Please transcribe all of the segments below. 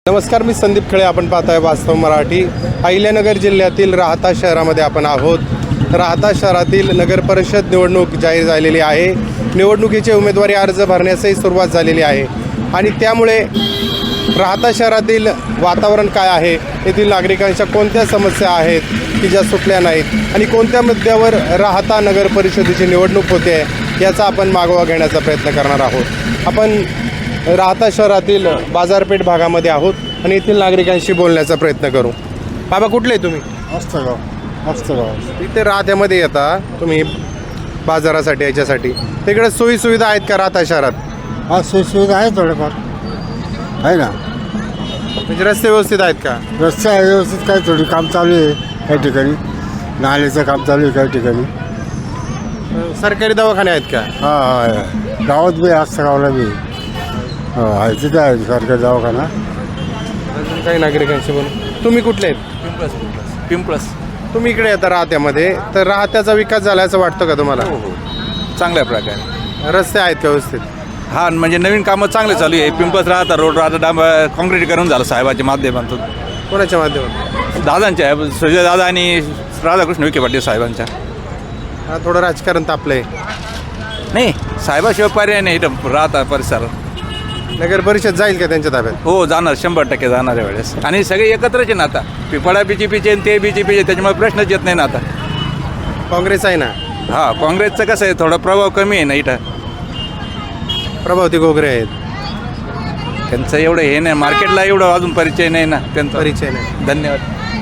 नमस्कार, मी संदीप खळे. आपण पाहताय वास्तव मराठी. अहिल्यानगर जिल्ह्यातील राहाता शहरामध्ये आपण आहोत. राहाता शहरातील नगर परिषद निवडणूक जाहीर झालेली आहे. निवडणुकीचे उमेदवारी अर्ज भरण्यासही सुरुवात झालेली आहे आणि त्यामुळे राहाता शहरातील वातावरण काय आहे, येथील नागरिकांच्या कोणत्या समस्या आहेत की ज्या सुटल्या नाहीत आणि कोणत्या मुद्द्यावर राहाता नगर परिषदेची निवडणूक होते याचा आपण मागोवा घेण्याचा प्रयत्न करणार आहोत. आपण राहाता शहरातील बाजारपेठ भागामध्ये आहोत आणि येथील नागरिकांशी बोलण्याचा प्रयत्न करू. बाबा, कुठले तुम्ही? मस्तगाव. इथे राहत्यामध्ये येता तुम्ही बाजारासाठी, याच्यासाठी तिकडे सोयीसुविधा आहेत का राहता शहरात? हा, सोयीसुविधा आहे थोडेफार, आहे ना. म्हणजे रस्ते व्यवस्थित आहेत का? रस्ते आहे व्यवस्थित, काही थोडी काम चालू आहे काही ठिकाणी. नाल्याचं काम चालू आहे काही ठिकाणी. सरकारी दवाखाने आहेत का? हा हा, गावात बी असतं, गावाला बी आहे, तिथे आहे सरकारी दवाखाना. अजून काही नागरिकांशी बोलू. तुम्ही कुठले आहेत? पिंपळस. तुम्ही इकडे येता राहत्यामध्ये, तर राहत्याचा विकास झाला असं वाटतं का तुम्हाला? चांगल्या प्रकारे रस्ते आहेत का व्यवस्थित? हा, म्हणजे नवीन कामं चांगले चालू आहे. पिंपळस राहता रोड राहता काँक्रीटीकरण झालं साहेबाच्या माध्यमातून, कोणाच्या माध्यमातून? दादांच्या, सुजय दादा आणि राधाकृष्ण विखे पाटील साहेबांच्या. हा, थोडं राजकारण तापलंय. नाही, साहेबाशिवाय पर्याय नाही इथं राहता परिसर. नगर परिषद जाईल का त्यांच्या ताब्यात? हो, जाणार, 100% जाणार आहे वेळेस. आणि सगळे एकत्रच आहे ना आता. पिफळा BJPचे आणि ते BJPचे, त्याच्यामुळे प्रश्नच येत नाही ना आता. काँग्रेस आहे ना. हा, काँग्रेसचं कसं आहे, थोडा प्रभाव कमी आहे ना इथं. प्रभावती घोगरे आहेत. त्यांचं एवढं हे नाही, मार्केटला एवढं अजून परिचय नाही ना त्यांचा. परिचय नाही. धन्यवाद.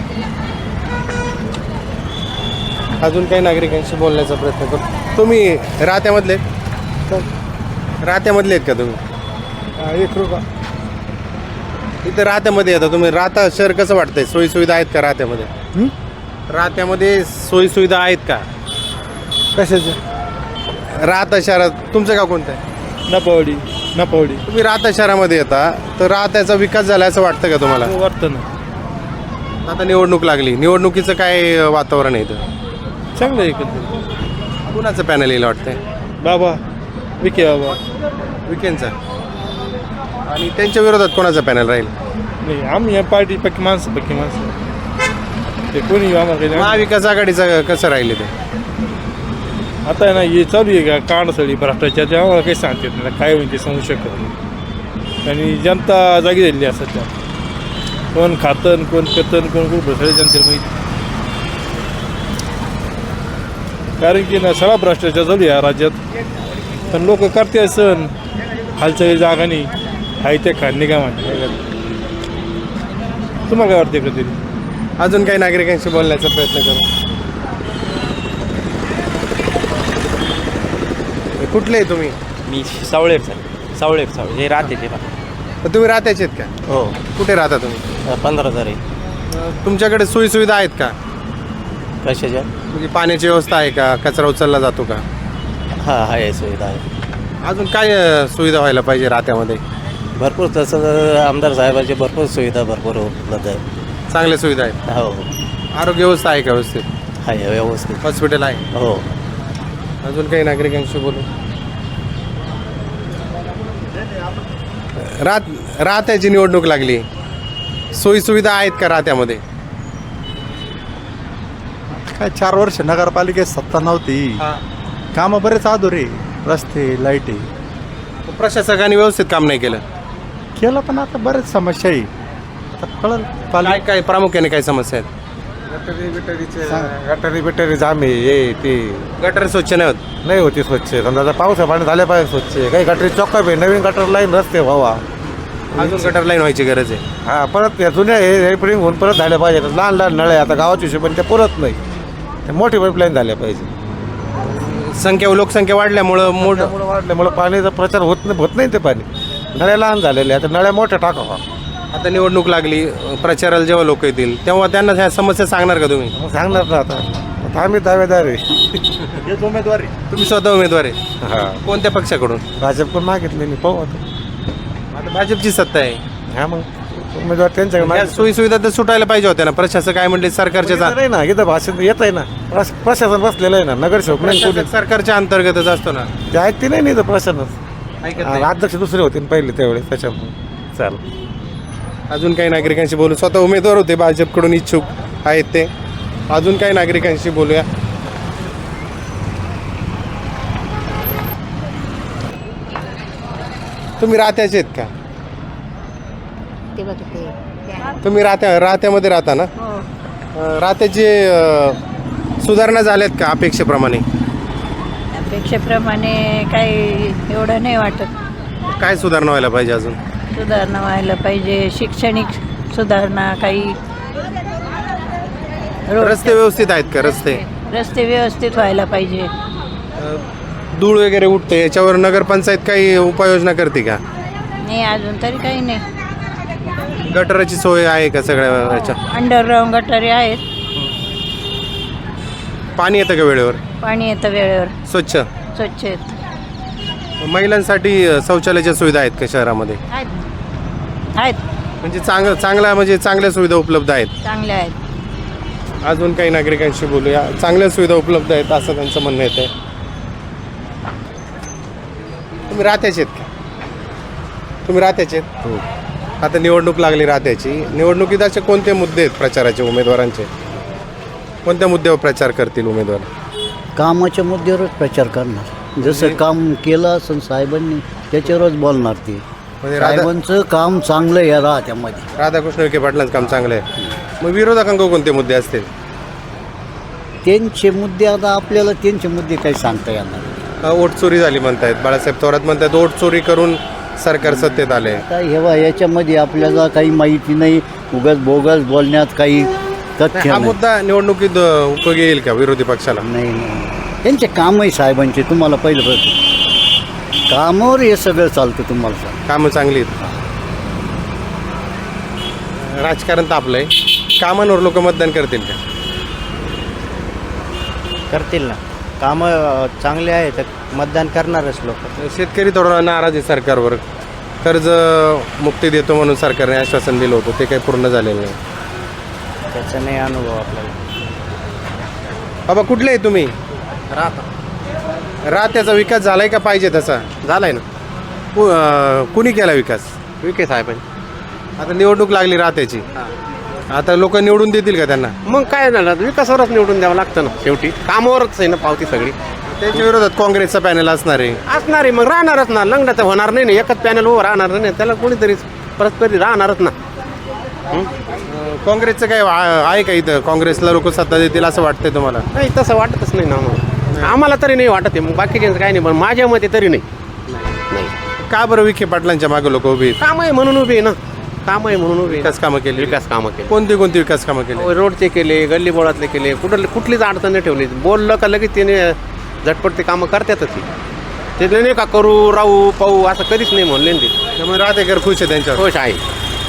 अजून काही नागरिकांशी बोलण्याचा प्रयत्न करू. तुम्ही राहत्यामधले आहेत का तुम्ही? 1 रुपया. इथं राहत्यामध्ये येता तुम्ही. राहता शहर कसं वाटतंय? सोयीसुविधा आहेत का राहत्यामध्ये? राहत्यामध्ये सोयीसुविधा आहेत का? कशाचं? राहता शहरात तुमचं गाव कोणतं आहे? नपावडी. तुम्ही राहता शहरामध्ये येता, तर राहत्याचा विकास झाला असं वाटतं का तुम्हाला? वाटतं ना. आता निवडणूक लागली, निवडणुकीचं काय वातावरण आहे इथं? चांगलं आहे एकंदरीत. कुणाचं पॅनल येईल वाटतंय? बाबा विके बाबा. विकेंडचा. आणि त्यांच्या विरोधात कोणाचं पॅनल राहील? नाही, आम्ही या पार्टी पक्की माणसं ते कोणी आम्हाला काही नाही. महाविकास आघाडीचं कसं राहील ते? आता आहे ना, हे चालू आहे का कांडसळी भ्रष्टाचार, आम्हाला काही सांगता येत नाही काय होईल ते सांगू शकत नाही. आणि जनता जागी झालेली असतात त्या, कोण खातन, कोण पेतन, कोण सगळे जनतेला माहिती. कारण की ना, सगळा भ्रष्टाचार चालू आहे या राज्यात. पण लोक करते सण, हालचाली जागा नाही, हाय ते खाणे काय म्हणते. तुम्हाला काय वाटते कधी? अजून काही नागरिकांशी बोलण्याचा प्रयत्न करू. कुठले आहे तुम्ही? मी सावळे हे राहते ते. तर तुम्ही राहत्याचे आहेत का? हो, कुठे राहता तुम्ही? 15,000 आहे. तुमच्याकडे सोयीसुविधा आहेत का? कशाच्या? म्हणजे पाण्याची व्यवस्था आहे का? कचरा उचलला जातो का? हा, आहे सुविधा आहे. अजून काय सुविधा व्हायला पाहिजे राहत्यामध्ये? भरपूर तसं आमदार साहेबांची भरपूर सुविधा भरपूर उपलब्ध आहे. चांगल्या सुविधा आहेत. हो, आरोग्य व्यवस्था आहे का व्यवस्थित? आहे व्यवस्थित. हॉस्पिटल आहे. हो. अजून काही नागरिकांशी बोलू. राहत्याची निवडणूक लागली, सोयीसुविधा आहेत का राहत्यामध्ये? काय 4 वर्ष नगरपालिकेत सत्ता नव्हती. कामं बरेच अधुरे, रस्ते, लाईटी प्रशासकांनी व्यवस्थित काम नाही केलं. पण आता बरेच समस्या आहे. आता कळलं काय काय प्रामुख्याने काय समस्या आहेत? गटारी जाम आहे, हे ते गटर स्वच्छ नाही होत. नाही होती स्वच्छ. समजा आता पावसा पाणी झाल्या पाहिजे स्वच्छ. काही गटरी चॉकअप आहे, नवीन गटर लाईन रस्ते व्हावा. अजून गटर लाईन व्हायची गरज आहे. हा, परत या जुन्या हे रिपेरिंग होऊन परत झाल्या पाहिजे. लहान लहान नळे आता गावाच्या हिशोबाने ते पुरत नाही, ते मोठी पाईपलाईन झाल्या पाहिजे. लोकसंख्या वाढल्यामुळं मोठं वाढल्यामुळे पाण्याचा प्रचार होत नाही ते पाणी. नळ्या लहान झालेल्या, आता नळ्या मोठ्या टाकावा. आता निवडणूक लागली, प्रचाराला जेव्हा लोक येतील तेव्हा त्यांना ह्या समस्या सांगणार का तुम्ही? सांगणार ना. आता आम्ही दावेदार आहे. हेच उमेदवारी. तुम्ही स्वतः उमेदवार आहे? हा, कोणत्या पक्षाकडून? भाजपकडून मागितले नाही, पाहू आता. आता भाजपची सत्ता आहे. हा, मग उमेदवार त्यांच्याकडे या सोयीसुविधा तर सुटायला पाहिजे होत्या ना. प्रशासक काय म्हणले? सरकारच्या नाही ना, इथं भाषण येत आहे ना. प्रशासन बसलेलं आहे ना, नगरसेवक नाही कोणी. सरकारच्या अंतर्गतच असतो ना. ते ऐकते नाही इथं प्रशासनच. ऐकत नाही. अध्यक्ष दुसरे होते ना पहिले त्यावेळेस, त्याच्यामुळे चाल. अजून काही नागरिकांशी बोलू. स्वतः उमेदवार होते भाजपकडून इच्छुक आहेत ते. अजून काही नागरिकांशी बोलूया. तुम्ही राहत्याचे आहेत का? तुम्ही राहत्यामध्ये राहता ना? राहत्याचे सुधारणा झाल्यात का अपेक्षेप्रमाणे? अपेक्षेप्रमाणे काही एवढं नाही वाटत. काय सुधारणा व्हायला पाहिजे अजून? सुधारणा व्हायला पाहिजे, शैक्षणिक सुधारणा, काही रस्ते व्यवस्थित आहेत का? रस्ते व्यवस्थित व्हायला पाहिजे. धूळ वगैरे उठते, याच्यावर नगरपंचायत काही उपाययोजना करते का? नाही, अजून तरी काही नाही. गटराची सोय आहे का सगळ्या याच्या? अंडरग्राऊंड गटारे आहेत. पाणी येतं का वेळेवर? पाणी येतं वेळेवर, स्वच्छ आहेत. महिलांसाठी शौचालयाच्या सुविधा आहेत का शहरामध्ये? आहेत, म्हणजे चांगल्या सुविधा उपलब्ध आहेत. चांगले आहेत. अजून काही नागरिकांशी बोलूया. चांगल्या सुविधा उपलब्ध आहेत असं त्यांचं म्हणणं येतं. तुम्ही राहत्याचे आहेत का? तुम्ही राहत्याचे आहेत? हो. आता निवडणूक लागली राहत्याची. निवडणुकीत असे कोणते मुद्दे आहेत प्रचाराचे उमेदवारांचे? कोणत्या मुद्द्यावर प्रचार करतील उमेदवार? कामाच्या मुद्द्यावरच प्रचार करणार. जसं काम केलं असं साहेबांनी त्याच्यावरच बोलणार ते. म्हणजे साहेबांचं काम चांगलं आहे राहत्यामध्ये. राधाकृष्ण विखे पाटलांचं काम चांगलं आहे. मग विरोधकांक कोणते मुद्दे असतील? त्यांचे मुद्दे आता आपल्याला त्यांचे मुद्दे काही सांगता येणार नाही. वोट चोरी झाली म्हणतायत. बाळासाहेब थोरात म्हणतात वोट चोरी करून सरकार सत्तेत आले. आता हेवा याच्यामध्ये आपल्याला काही माहिती नाही. उगाच बोगस बोलण्यात काही तथ्य हा नाही. मुद्दा निवडणुकीत उपयोगी येईल का विरोधी पक्षाला? नाही. त्यांचे कामही साहेबांचे तुम्हाला पहिलं बघ कामावर हे सगळं चालतं. तुम्हाला सांग कामं चांगली आहेत. राजकारण तापलंय. कामांवर लोक मतदान करतील का? करतील ना. कामं चांगले आहे तर मतदान करणारच लोक. शेतकरी थोडा नाराज आहे सरकारवर. कर्ज मुक्ती देतो म्हणून सरकारने आश्वासन दिलं होतं, ते काही पूर्ण झालेलं नाही. त्याचा नाही अनुभव आपल्याला. बाबा कुठले आहे तुम्ही? राहत्याचा विकास झालाय का पाहिजे तसा? झालाय ना. कुणी केला विकास? विखे साहेबांनी. आता निवडणूक लागली राहत्याची. आता लोक निवडून देतील का त्यांना? मग काय झालं, विकासावरच निवडून द्यावं लागतं ना. शेवटी कामावरच आहे ना पावती सगळी. त्यांच्या विरोधात काँग्रेसचा पॅनल असणार आहे. असणार आहे, मग राहणारच ना. लंगडा तर होणार नाही ना. एकच पॅनल उभं राहणार नाही. त्याला कोणीतरी परस्पर राहणारच ना. काँग्रेसचं काय आहे का इथं? काँग्रेसला लोक सत्ता देतील असं वाटतंय तुम्हाला? नाही, तसं वाटतच नाही ना आम्हाला तरी नाही वाटत आहे. मग बाकीच्यांचं काही नाही, पण माझ्या मते तरी नाही. का बरं विखे पाटलांच्या मागे लोक उभी आहेत? काम आहे म्हणून उभे आहे ना. काम आहे म्हणून उभे. विकास कामं केली. विकास कामं केली. कोणती विकास कामं केली? रोडचे केले, गल्ली बोळातले केले. कुठलीच अडचण नाही ठेवली. बोललं का लगेच त्याने झटपट ते कामं करतातच. ते नाही का करू राहू पाहू असं कधीच नाही म्हणले ते. त्यामुळे राहतेकर खुश आहे त्यांच्यावर. खुश आहे.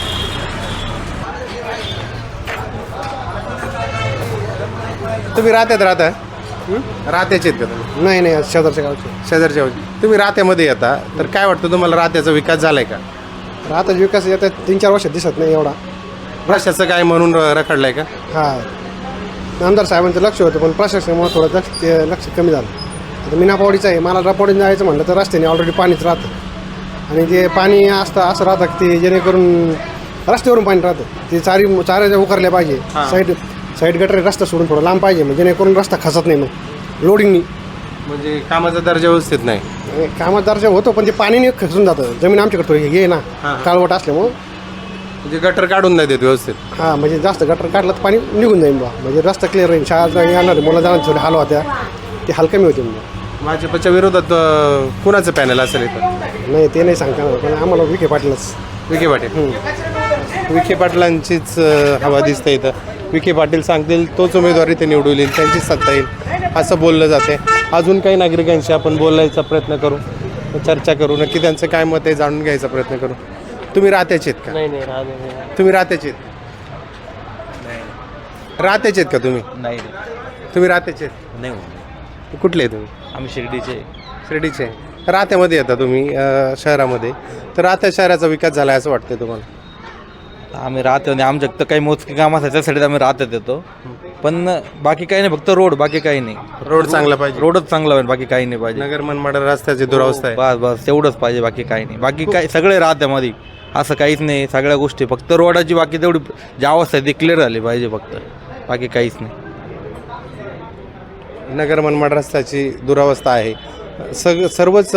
तुम्ही राहत्याचे आहेत का तुम्ही? नाही शेजारच्या गावचे. शेजारच्या तुम्ही राहत्यामध्ये येता, तर काय वाटतं तुम्हाला राहत्याचा विकास झालाय का? आता विकास येतात 3-4 वर्षात दिसत नाही एवढा. प्रशासक काय म्हणून रखडलाय का? हा, आमदार साहेबांचं लक्ष होतं, पण प्रशासनामुळे थोडं लक्ष कमी झालं. आता मीनापावडीचं आहे. मला रापावडीने जायचं म्हटलं तर रस्त्याने ऑलरेडी पाणीच राहतं. आणि ते पाणी असं राहतं की ते जेणेकरून रस्त्यावरून पाणी राहतं. ते चाऱ्या उकरल्या पाहिजे. साईड गटर रस्ता सोडून थोडं लांब पाहिजे, म्हणजे जेणेकरून रस्ता खचत नाही. मग लोडिंगनी म्हणजे कामाचा दर्जा व्यवस्थित नाही. कामात दर्जा होतो, पण ते पाणीने खचून जातं. जमीन आमच्याकडे थोडी हे ना काळवट असल्यामुळं. म्हणजे गटर काढून नाही देत व्यवस्थित. हां, म्हणजे जास्त गटर काढलं तर पाणी निघून जाईल बा. म्हणजे रस्ता क्लिअर राहील. शाळा येणार मुलं जाणार थोडे हाल होत्या, ते हाल कमी होते. म्हणजे भाजपच्या विरोधात कुणाचं पॅनल असेल इथं? नाही, ते नाही सांगता येणार, पण आम्हाला विखे पाटीलच. विखे पाटील. विखे पाटलांचीच हवा दिसते इथं. विखे पाटील सांगतील तोच उमेदवार इथे निवडून येईल, त्यांचीच सत्ता येईल असं बोललं जाते. अजून काही नागरिकांशी आपण बोलायचा प्रयत्न करू, चर्चा करू. नक्की त्यांचं काय मत आहे जाणून घ्यायचा प्रयत्न करू. तुम्ही राहत्याचे आहेत का? नाही. तुम्ही राहत्याचे आहेत? राहत्याचे आहेत का तुम्ही? नाही तुम्ही राहत्याचे आहेत? नाही. कुठले आहे तुम्ही? आम्ही शिर्डीचे. शिर्डीचे. राहत्यामध्ये येता तुम्ही शहरामध्ये, तर राहत्या शहराचा विकास झाला असं वाटतंय तुम्हाला? आम्ही राहतो आणि आमच्या तर काही मोजके काम असायचं त्यासाठी आम्ही राहतात येतो. पण बाकी काही नाही, फक्त रोड, बाकी काही नाही. रोड चांगला पाहिजे. रोडच चांगला पाहिजे, बाकी काही नाही पाहिजे. नगर मनमाड रस्त्याची दुरावस्था आहे. बस तेवढंच पाहिजे, बाकी काही नाही. बाकी काय सगळे राहत्यामध्ये असं काहीच नाही. सगळ्या गोष्टी फक्त रोडाची बाकी तेवढी जी अवस्था आहे ती क्लिअर झाली पाहिजे फक्त, बाकी काहीच नाही. नगर मनमाड रस्त्याची दुरावस्था आहे. सर्वच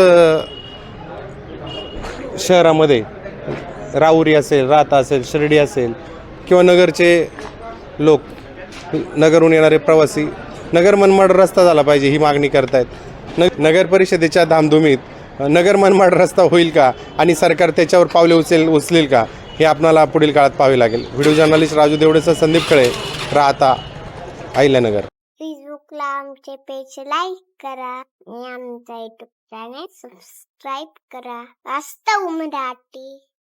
शहरामध्ये राहुरी असेल, राहता असेल, शिर्डी असेल किंवा नगरचे लोक, नगरहून येणारे प्रवासी नगर मनमाड रस्ता झाला पाहिजे ही मागणी करतायत. नगर परिषदेच्या धामधुमीत नगर मनमाड रस्ता होईल का आणि सरकार त्याच्यावर पावले उचलेल का हे आपणाला पुढील काळात पाहावे लागेल. व्हिडिओ जर्नलिस्ट राजू देवडेसह संदीप खळे, राहता अहिल्यानगर. फेसबुकला आमचे पेज लाईक करा आणि आमचा युट्यूब चॅनेल सबस्क्राईब करा. वास्तव मराठी.